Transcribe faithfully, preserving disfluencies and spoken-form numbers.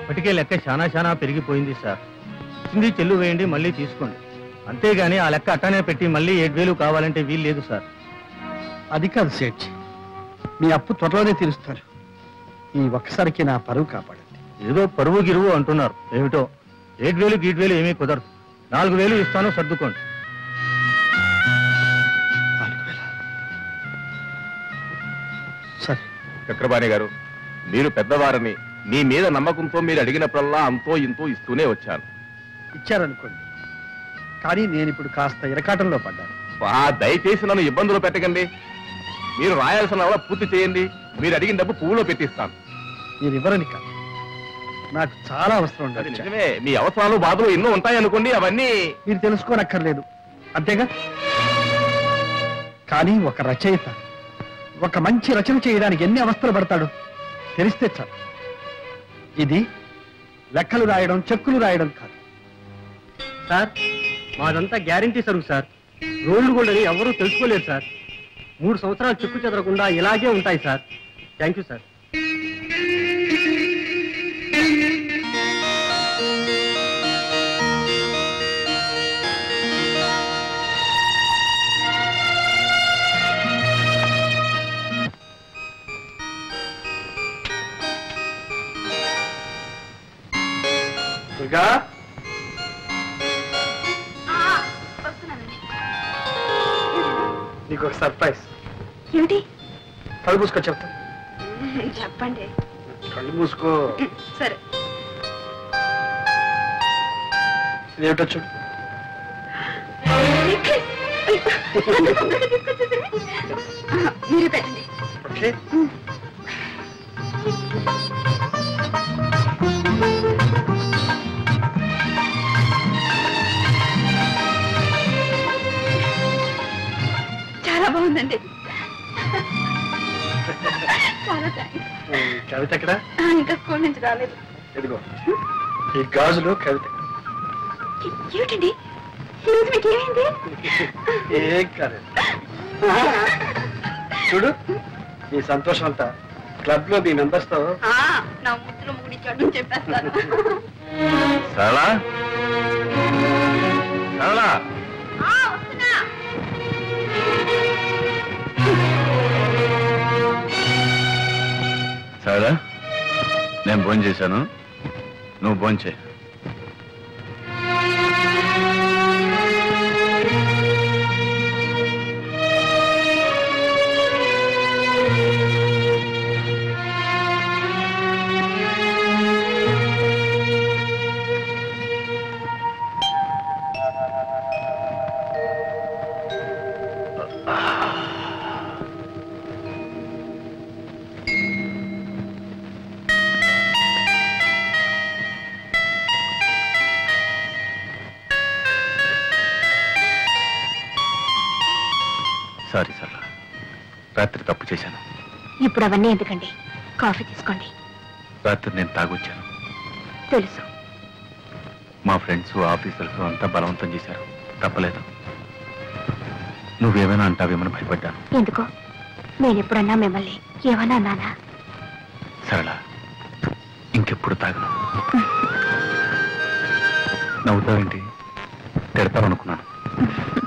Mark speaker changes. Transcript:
Speaker 1: ఇప్పటికే లెక్క చాలా చాలా పెరిగిపోయింది సార్. ఇచ్చింది చెల్లు వేయండి, మళ్ళీ తీసుకోండి. అంతేగాని ఆ లెక్క అట్టానే పెట్టి మళ్ళీ ఏడు వేలు కావాలంటే వీలు లేదు సార్.
Speaker 2: అది కాదు సేట్, మీ అప్పు త్వరలోనే తీరుస్తారు. ఈ ఒక్కసారికి నా పరువు కాపాడండి.
Speaker 1: ఏదో పరువు గిరువు అంటున్నారు, ఏమిటో ఏడు వేలు గీడు వేలు ఏమీ కుదరదు. నాలుగు వేలు ఇస్తాను, సర్దుకోండి.
Speaker 2: సరే
Speaker 3: చక్రపాణి గారు, మీరు పెద్దవారని మీ మీద నమ్మకంతో మీరు అడిగినప్పుడల్లా అంతో ఇంతో ఇస్తూనే వచ్చాను.
Speaker 2: ఇచ్చారనుకోండి, కానీ నేను ఇప్పుడు కాస్త ఇరకాటంలో పడ్డాను.
Speaker 3: దయచేసి నన్ను ఇబ్బందులు పెట్టకండి. మీరు రాయాల్సిన కూడా పూర్తి చేయండి. మీరు అడిగిన డబ్బు పువ్వులో పెట్టిస్తాను.
Speaker 2: మీరు ఇవ్వరని కాదు, నాకు చాలా అవసరం ఉండాలి.
Speaker 3: నిజమే, మీ అవసరాలు బాధలు ఎన్నో ఉంటాయనుకోండి, అవన్నీ
Speaker 2: మీరు తెలుసుకోనక్కర్లేదు, అంతేగా. కానీ ఒక రచయిత ఒక మంచి రచన చేయడానికి ఎన్ని అవస్థలు పడతాడు తెలిస్తే చాలు. ఇది లెక్కలు రాయడం, చెక్కులు రాయడం కాదు
Speaker 1: సార్. మాదంతా గ్యారంటీ సరుకు సార్. రోడ్లు గోల్డ్ అని ఎవరూ తెలుసుకోలేరు సార్. మూడు సంవత్సరాలు చెక్కు చెదరకుండా ఇలాగే ఉంటాయి sir. Thank you sir.
Speaker 2: Durga, నీకు ఒక సర్ప్రైజ్.
Speaker 4: ఏమిటి?
Speaker 2: కళ్ళు మూసుకో, చెప్తా.
Speaker 4: చెప్పండి.
Speaker 2: కళ్ళు మూసుకో.
Speaker 4: సరే.
Speaker 2: ఇదేమిటో చూడు.
Speaker 4: మీరు పెట్టండి.
Speaker 2: ఓకే.
Speaker 4: చాలా బాగుందండి. చాలా థ్యాంక్స్.
Speaker 2: కవిత ఎక్కడ?
Speaker 4: ఇంకా స్కూల్ నుంచి రాలేదు.
Speaker 2: ఎదుగో ఈ గాజులో కవిత.
Speaker 4: ఏమిటండి ఈరోజు మీకు ఏమైంది?
Speaker 2: ఏం కాదు, చూడు ఈ సంతోషం అంతా క్లబ్ లో మీ మెంబర్స్ తో
Speaker 4: నా ముద్దులో ముగిడిచాడు చెప్పేస్తాను.
Speaker 3: సరళా, సరళా,
Speaker 5: సరళా, నేను భోజనం చేశాను, నువ్వు భోజనం చేయి. సారీ సరళా, రాత్రి తప్పు చేశాను.
Speaker 4: ఇప్పుడు అవన్నీ ఎందుకండి, కాఫీ తీసుకోండి.
Speaker 5: రాత్రి నేను తాగొచ్చాను.
Speaker 4: తెలుసు.
Speaker 5: మా ఫ్రెండ్స్, ఆఫీసర్స్ అంతా బలవంతం చేశారు, తప్పలేదు. నువ్వేమైనా అంటావేమని భయపడ్డాను.
Speaker 4: ఎందుకో? నేను ఎప్పుడన్నా మిమ్మల్ని ఏమన్నా అన్నానా?
Speaker 5: సరళ, ఇంకెప్పుడు తాగను. నవ్వుతావేంటి? తిడతాను అనుకున్నాను.